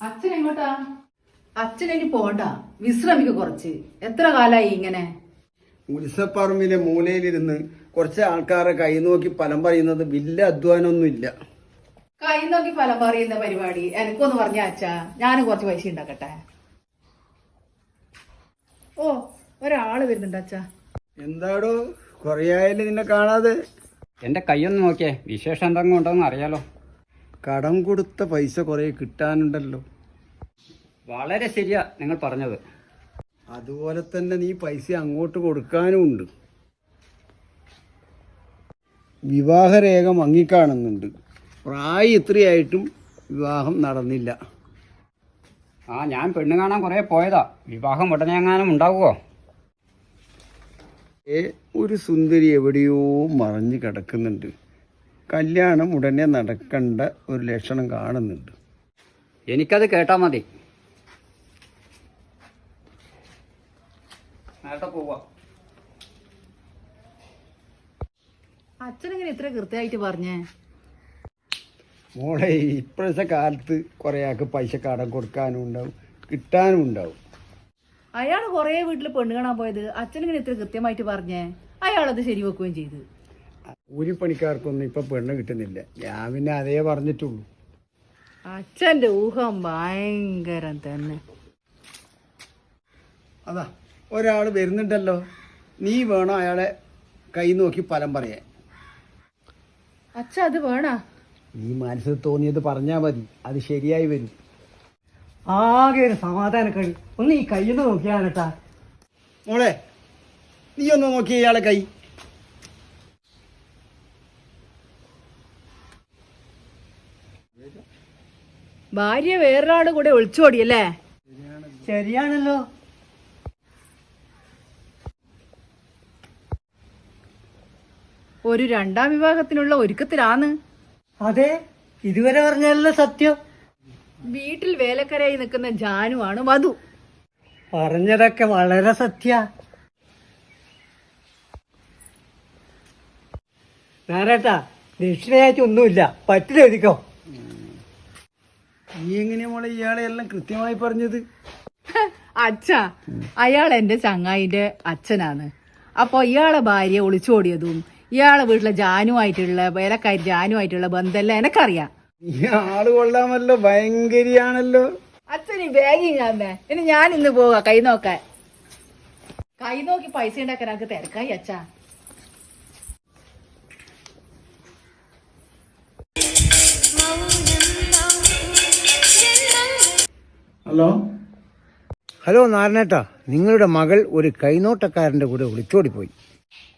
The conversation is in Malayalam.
അച്ഛൻ എങ്ങോട്ടാ? അച്ഛനിനി പോണ്ട, വിശ്രമിക്ക് കുറച്ച്. എത്ര കാലായി ഇങ്ങനെ? ഉത്സവപ്പറമ്പിലെ മൂലയിലിരുന്ന് കുറച്ച് ആൾക്കാരെ കൈ നോക്കി ഫലം പറയുന്നത് വലിയ അധ്വാനമൊന്നുമില്ല. കൈ നോക്കി ഫലം പറയുന്ന പരിപാടി എനിക്കൊന്ന് പറഞ്ഞ അച്ഛാ, ഞാനും കുറച്ച് പൈസ ഉണ്ടാക്കട്ടെ. ഓ, ഒരാള് വരുന്നുണ്ട് അച്ഛാ. എന്താടോ കുറേയായാലും നിന്നെ കാണാതെ? എൻ്റെ കൈയൊന്ന് നോക്കിയേ, വിശേഷം എന്തെങ്കിലും ഉണ്ടോന്ന് അറിയാലോ. കടം കൊടുത്ത പൈസ കുറേ കിട്ടാനുണ്ടല്ലോ. വളരെ ശരിയാ നിങ്ങൾ പറഞ്ഞത്. അതുപോലെ തന്നെ നീ പൈസ അങ്ങോട്ട് കൊടുക്കാനും ഉണ്ട്. വിവാഹരേഖ മങ്ങിക്കാണുന്നുണ്ട്. പ്രായം ഇത്രയായിട്ടും വിവാഹം നടന്നില്ല. ഞാൻ പെണ്ണ് കാണാൻ കുറേ പോയതാ. വിവാഹം ഉടനെ എങ്ങാനും ഉണ്ടാവുമോ? ഒരു സുന്ദരി എവിടെയോ മറഞ്ഞു കിടക്കുന്നുണ്ട്. കല്യാണം ഉടനെ നടക്കേണ്ട ഒരു ലക്ഷണം കാണുന്നുണ്ട്. എനിക്കത് കേട്ടാൽ മതി. നേരത്തെ പോവാ. അച്ഛനെങ്ങനെ ഇത്ര കൃത്യമായിട്ട് പറഞ്ഞേ? മോളെ, ഇപ്പോഴത്തെ കാലത്ത് കുറേ ആൾക്ക് പൈസ കടം കൊടുക്കാനും ഉണ്ടാവും, കിട്ടാനും ഉണ്ടാവും. അയാള് കൊറേ വീട്ടിൽ പെണ്ണ് കാണാൻ പോയത് അച്ഛനിങ്ങനെ ഇത്ര കൃത്യമായിട്ട് പറഞ്ഞേ? അയാളത് ശരിവെക്കുകയും ചെയ്തു. കൂലിപ്പണിക്കാർക്കൊന്നും ഇപ്പൊ പെണ്ണ് കിട്ടുന്നില്ല. ഞാൻ പിന്നെ അതേ പറഞ്ഞിട്ടുള്ളൂ. അച്ഛന്റെ ഊഹം ഭയങ്കരം തന്നെ. അതാ ഒരാൾ വരുന്നുണ്ടല്ലോ. നീ വേണം അയാളെ കൈ നോക്കി ഫലം പറയാൻ. അച്ഛ, അത് വേണ? നീ മനസ്സിൽ തോന്നിയത് പറഞ്ഞാൽ മതി, അത് ശരിയായി വരും. ആകെ ഒരു സമാധാന കഴി. ഒന്ന് ഈ കയ്യിൽ നോക്കിയാണട്ടാ. മോളെ, നീ ഒന്ന് നോക്കി ഇയാളെ കൈ. ഭാര്യ വേറൊരാളുടെ കൂടെ ഒളിച്ചോടിയല്ലേ? ശരിയാണല്ലോ. ഒരു രണ്ടാം വിവാഹത്തിനുള്ള ഒരുക്കത്തിലാന്ന്. അതെ, ഇതുവരെ പറഞ്ഞല്ലോ സത്യം. വീട്ടിൽ വേലക്കാരായി നിൽക്കുന്ന ജാനുവാണ് വധു. പറഞ്ഞതൊക്കെ വളരെ സത്യ. നാരേട്ടാ, ദക്ഷിണയായിട്ട് ഒന്നുമില്ല, പറ്റിലെഴുതിക്കോ. നീ എങ്ങനെയാ മോളെ ഇയാളെ എല്ലാം കൃത്യമായി പറഞ്ഞത്? അച്ഛാ, അയാൾ എന്റെ ചങ്ങായിന്റെ അച്ഛനാണ്. അപ്പൊ ഇയാളെ ഭാര്യ ഒളിച്ചോടിയതും ഇയാളെ വീട്ടിലെ ജാനുമായിട്ടുള്ള വേലക്കാരി ജാനുമായിട്ടുള്ള ബന്ധമെല്ലാം എനക്കറിയാം. ഈ ആള് കൊള്ളാമല്ലോ, ഭയങ്കരിയാണല്ലോ. അച്ഛൻ ഈ ബാഗി ഞാൻ ഇനി ഞാൻ ഇന്ന് പോകാം കൈ നോക്കാൻ. കൈ നോക്കി പൈസ ഉണ്ടാക്കാൻ എനിക്ക് തിരക്കായി അച്ഛാ. ഹലോ ഹലോ നാരായണേട്ടാ, നിങ്ങളുടെ മകൾ ഒരു കൈനോട്ടക്കാരൻ്റെ കൂടെ ഒളിച്ചോടിപ്പോയി.